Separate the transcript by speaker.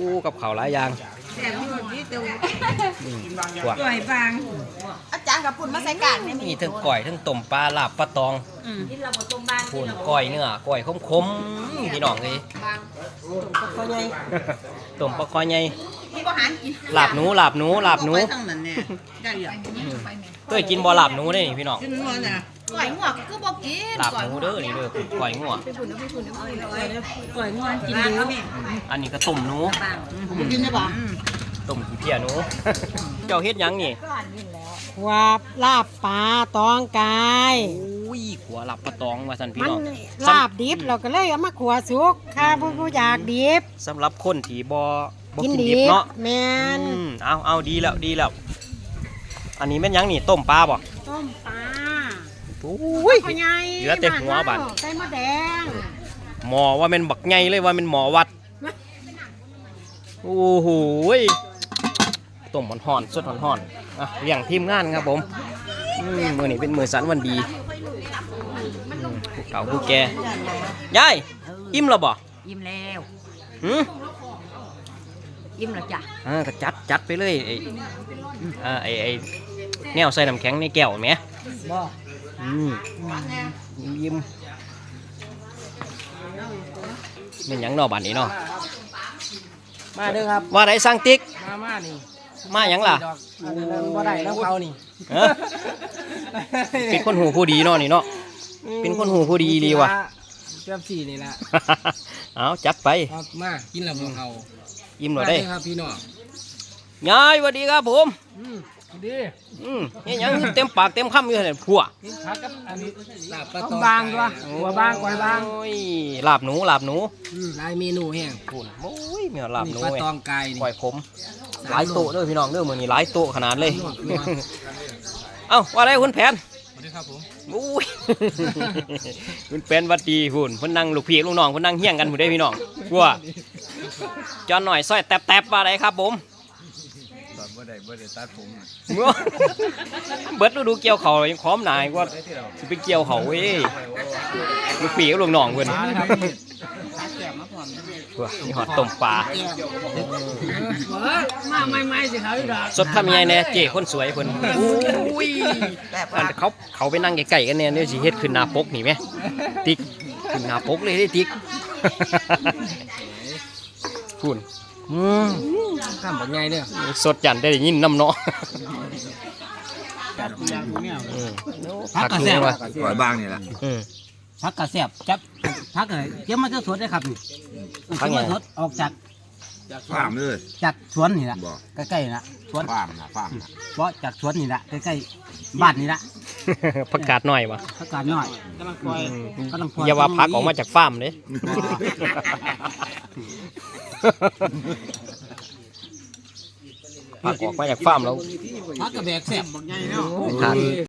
Speaker 1: กับข้าวหลายอย่าง
Speaker 2: แซ่บอยู่ที่ตัว
Speaker 1: กว่า
Speaker 2: สวยบางอาจารย์กับปุ่นมาใส่กากเนี่ย
Speaker 1: มีทั้งก้อยทั้งต้มปลาลาบปลาตองปุ่นก้อยเนื้อก้อยขมๆพี่น้องเลย
Speaker 2: ตัวใหญ่
Speaker 1: ต้มปลาคอใหญ่
Speaker 2: ที่บ่หารกิน
Speaker 1: ลาบหนูลาบหนูลาบหนู
Speaker 2: ทั้งนั้นเนี่ยได้อย่าง
Speaker 1: เคยกินบ่ลาบหนูได้นี่พี่น้อง
Speaker 2: กินหมดน่ะก่อยงวกคือบ่กิน
Speaker 1: ลาบหนูเด้อนี่เด้อก้อยงัว
Speaker 2: ก่อยงวกกินดู
Speaker 1: อันนี้ก็ต้มหนู
Speaker 2: กินได้ป่ะ
Speaker 1: ต้มขี้เพี้ยหนู เจ้าเฮ็ดหยังนี่
Speaker 3: ว่าลาบปลาตองกาย
Speaker 1: อุ้ยขัวลาบปลาตองว่าซั่นพี่
Speaker 3: มัน
Speaker 1: น้อง
Speaker 3: ลาบดิบเราก็เลยเอามาขัวสุกข้าผู้อยากดิบ
Speaker 1: สำหรับคนที่บ่กิ
Speaker 3: กิ
Speaker 1: น
Speaker 3: น
Speaker 1: ดิ
Speaker 3: ดิ
Speaker 1: บบ เนาะ
Speaker 3: แมน
Speaker 1: เอาดีแล้วดีแล้ว อันนี้แม่นหยังนี่ต้มปลาบ่
Speaker 3: ต้มปลา
Speaker 1: อุ้ย
Speaker 3: พ่อใหญ่
Speaker 1: เหลือแต่หัวบัด
Speaker 3: ใส่มะแดง
Speaker 1: หมอว่าแม่นบักใหญ่เลยว่าแม่นหมอวัดโอ้โหยต้มห่อนๆสดห่อนๆอ่ะเลี้ยงทีมงานครับผมมื้อนี้เป็นมื้อสันวันดีผู้เก่าผู้แก่ยายอิ่มแล้วบ่
Speaker 2: ยิ้มแล้ว
Speaker 1: หือ
Speaker 2: ยิ้มแล้วจ้ะ
Speaker 1: ก็จัดไปเลยไอ้แนวใส่น้ำแข็งในแก้วแหม
Speaker 2: บ่
Speaker 1: ยิ้มเป็นหยังเนาะบัดนี้เนาะ
Speaker 4: มาเด้อครับ
Speaker 1: ว่าได้สั่งติ๊ก
Speaker 4: มานี่
Speaker 1: มาหยังล่ะ
Speaker 4: อันนั้นบ่ได้น้ำเขานี่
Speaker 1: เอ้อเป็นคนหูผู้ดีเนาะนี่เนาะ เป็นคนหูผู้ดีดีว่ะ
Speaker 4: เจ้าสี่นี่แหละ
Speaker 1: เอาจัดไป
Speaker 4: ครับมากินแล้วบ่เขา
Speaker 1: ยิ้ม
Speaker 4: มา
Speaker 1: เราได้
Speaker 4: เด้อครับพี่น้อง
Speaker 1: ยายสวัสดีครับผม
Speaker 4: ดี
Speaker 1: นี่ยังเต็มปากเต็มคำอยู่เนี่ยพัว
Speaker 4: กินผักกับอันนี้ลาบปลา
Speaker 3: ต้
Speaker 4: ต
Speaker 3: ม
Speaker 4: อง
Speaker 3: บางตัว
Speaker 4: หัวบางก้อยบาง
Speaker 1: โอ้ยลาบหนูลาบหนู
Speaker 4: หลายเมนูแห้ง
Speaker 1: ปุ่นโอ้ยมีลาบหนู
Speaker 4: ปลา
Speaker 1: ไง
Speaker 4: ตองไก่นี่
Speaker 1: ปล่อยผมหลายโต๊ะเด้อพี่น้องเด้อมื้อนี้หลายโต๊ะขนาดเลย
Speaker 4: นัว
Speaker 1: เอ้าว่าได้คุณแผน
Speaker 4: สวัสดีครับผม
Speaker 1: อุ้ย คุณแผนหวัดดีพุ่นเพิ่นนั่งลูกพี่ลูกน้องเพิ่นนั่งเฮี้ยงกันพุ่นเด้อพี่น้องกลัวจอนหน่อยซอยแตบๆว่าได้ครับผม
Speaker 4: บ่ได้ตัดผม
Speaker 1: เบิดฤดูเกี่ยวเขายังพร้อมหนายกว่าสิไปเกี่ยวเขาเว้ยลูกปีกับลูกน้องเพิ่นว้ามีหอดต้มปลา
Speaker 4: มาไม่สิเขาอีดอก
Speaker 1: สดทำยังไงแน่เจ้คนสวยเพิ่นอุ้ยอันเขาไปนั่งไกลๆกันเนี่ยเดี๋ยวสิเฮ็ดขึ้นหน้าปกนี่แหมติ๊กขึ้นหน้าปกเลยเด้ติ๊กพุ่น
Speaker 4: ข้ามบ่ใหญ่เด้อ
Speaker 1: สดจันได้ยินน้ำเนาะ
Speaker 4: ผักกระแซ่บ
Speaker 5: ปล่อยบ้างนี่แหละ
Speaker 4: ผักกระแซ่บจับผักเอ้ยเตรียมมาจะสวนได้ครับนี่
Speaker 1: ผักไง
Speaker 4: สดออกจาก
Speaker 5: ฟาร์มเลย
Speaker 4: จากสวนนี่แหละ
Speaker 5: บอก
Speaker 4: ใกล้ๆนะสวน
Speaker 5: ฟาร์มนะฟาร์มนะ
Speaker 4: เพราะจากสวนนี่แหละใกล้ๆบ้านนี่แหละ
Speaker 1: ประกาศหน่อยวะ
Speaker 4: ผักกาดน้อยกำลังปล่อยกำลังปล่อย
Speaker 1: อย่าว่าพักออกมาจากฟาร์มเลยพักออกมาจากฟาร์มแล้ว
Speaker 4: ผักกระแบกแซ่บ
Speaker 1: ทาน